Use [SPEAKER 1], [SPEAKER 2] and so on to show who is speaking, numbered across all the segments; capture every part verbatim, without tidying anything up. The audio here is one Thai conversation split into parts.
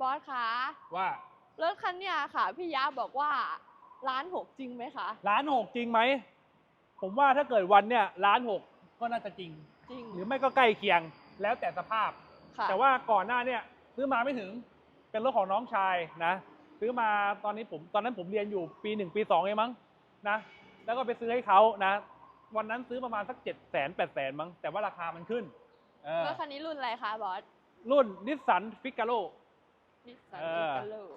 [SPEAKER 1] อสคะ
[SPEAKER 2] ว่าร
[SPEAKER 1] ถคันเนี้ยค่ะ พี่ยะบอกว่าล้านหกจริงไหมคะ
[SPEAKER 2] ล้านหกจริงไหมผมว่าถ้าเกิดวันเนี่ยล้านหกก็น่าจะจริง
[SPEAKER 1] จริง
[SPEAKER 2] หรือไม่ก็ใกล้เคียงแล้วแต่สภาพแต่ว่าก่อนหน้าเนี่ยซื้อมาไม่ถึงเป็นรถของน้องชายนะซื้อมาตอนนี้ผมตอนนั้นผมเรียนอยู่ปีหนึ่งปีสองเองมั้งนะแล้วก็ไปซื้อให้เขานะวันนั้นซื้อประมาณสักเจ็ดแสนแปดแสนมั้งแต่ว่าราคามันขึ้น
[SPEAKER 1] รถคันนี้รุ่นอะไรคะบอส
[SPEAKER 2] รุ่นนิสสันฟิกาโร่
[SPEAKER 1] นิสสันฟิกาโร่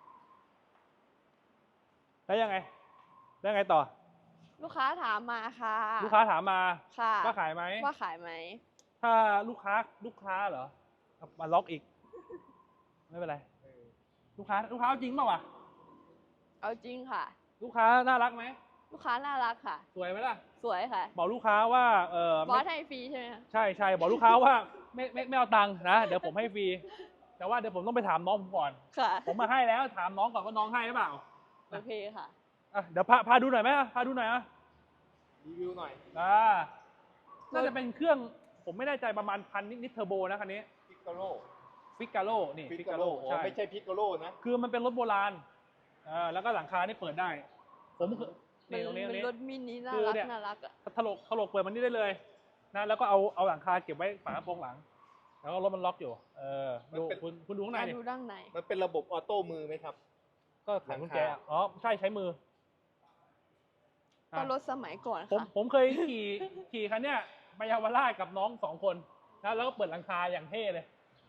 [SPEAKER 2] แล้วยังไงแล้วยังไงต่อ
[SPEAKER 1] ลูกค้าถามมาค่ะ
[SPEAKER 2] ลูกค้าถามมา
[SPEAKER 1] ค่ะ
[SPEAKER 2] ว่าขายไหม
[SPEAKER 1] ว่าขายไหม
[SPEAKER 2] ถ้าลูกค้าลูกค้าเหรอมาล็อกอีกไม่เป็นไรลูกค้าลูกค้าเอาจริงเปล่าวะ
[SPEAKER 1] เอาจริงค่ะ
[SPEAKER 2] ลูกค้าน่ารักไหม
[SPEAKER 1] ลูกค้าน่ารักค่ะ
[SPEAKER 2] สวยไหมล่ะ
[SPEAKER 1] สวยค่ะ
[SPEAKER 2] บอกลูกค้าว่าเออบ
[SPEAKER 1] อสให้ฟรีใช่ไหม
[SPEAKER 2] ใช่ใช่บอกลูกค้าว่าไม่ไม่ไม่เอาตังค์นะเดี๋ยวผมให้ฟรีแต่ว่าเดี๋ยวผมต้องไปถามน้องผมก่อน
[SPEAKER 1] ค่ะ
[SPEAKER 2] ผมมาให้แล้วถามน้องก่อนว่าน้องให้หรือเปล่า
[SPEAKER 1] โอเคค่ะ
[SPEAKER 2] อ่ะเดี๋ยวพาพาดูหน่อยไหมพาดูหน่อยอ่ะ
[SPEAKER 3] รีวิวหน่อย
[SPEAKER 2] อ่าน่าจะเป็นเครื่องผมไม่แน่ใจประมาณพันนิดนิดเทอร์โบนะคันนี้
[SPEAKER 3] พิกาโล
[SPEAKER 2] ฟิกาโลนี่
[SPEAKER 3] ฟิกาโลใช่ไม่ใช่พิกาโลนะ
[SPEAKER 2] คือมันเป็นรถโบราณอ่าแล้วก็หลังคานี่เปิดได้ผมนี่ตรงนี้ตรงนี้
[SPEAKER 1] รถมินิน่ารักน่ารักอ่ะ
[SPEAKER 2] ถลกถลกเปิดมันนี่ได้เลยนะแล้วก็เอาเอาหลังคาเก็บไว้ฝากระโปรงหลังแล้วก็รถมันล็อกอยู่เออดูคุณคุณดูข้างในดิ
[SPEAKER 1] ดูด้านใน
[SPEAKER 3] มันเป็นระบบออโต้มือไหมครับ
[SPEAKER 2] ก็ไขกุญแจอ๋อใช่ใช้มือ
[SPEAKER 1] ก็รถสมัยก่อน
[SPEAKER 2] ผม
[SPEAKER 1] ค่ะ
[SPEAKER 2] ผมเคยขี่ขี่คันเนี้ยไปเยาวราชกับน้องสองคนนะแล้วก็เปิดหลังคาอย่างเท่เลย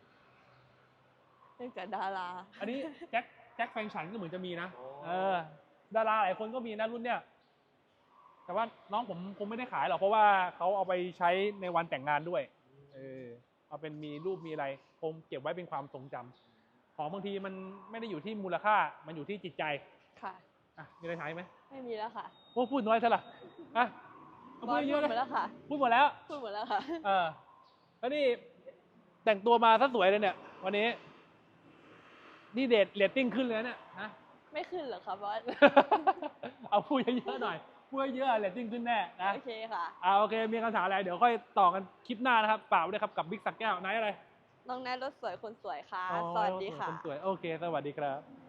[SPEAKER 1] เป็นกับดารา
[SPEAKER 2] อันนี้แจ็คแจ็คแฟงฉันก็เหมือนจะมีนะเออดาราหลายคนก็มีนะรุ่นเนี้ยแต่ว่าน้องผมคงไม่ได้ขายหรอกเพราะว่าเขาเอาไปใช้ในวันแต่งงานด้วยเออเอาเป็นมีรูปมีอะไรคงเก็บไว้เป็นความทรงจำของบางทีมันไม่ได้อยู่ที่มูลค่ามันอยู่ที่จิตใจ
[SPEAKER 1] ค่ะ
[SPEAKER 2] อ่ะมีอะไรถามไหม
[SPEAKER 1] ไม่มีแล้วค่ะ
[SPEAKER 2] โอ้พูดน้อยซะละอ่ะ
[SPEAKER 1] พูดเยอะแล้วค่ะ
[SPEAKER 2] พูดหมดแล้ว
[SPEAKER 1] พูดหมดแล้วค่ะ
[SPEAKER 2] เออแล้วนี่แต่งตัวมาซะสวยเลยเนี่ยวันนี้นี่เดทเรตติ้งขึ้นเลยเนี่ยนะ
[SPEAKER 1] ไม่ขึ้นหรอครับบอส
[SPEAKER 2] เอาพูดเยอะๆหน่อยพูดเยอะเรตติ้งขึ้นแน่นะ
[SPEAKER 1] โอเคค่ะ
[SPEAKER 2] อ่าโอเคมีคำถามอะไรเดี๋ยวค่อยต่อกันคลิปหน้านะครับฝากไว้ด้วยครับกับบิ๊กสักแก้วไหนอะไร
[SPEAKER 1] น้องแนทรถสวยคนสวยค่ะสวัสดีค่ะ
[SPEAKER 2] คนสวยโอเคสวัสดีครับ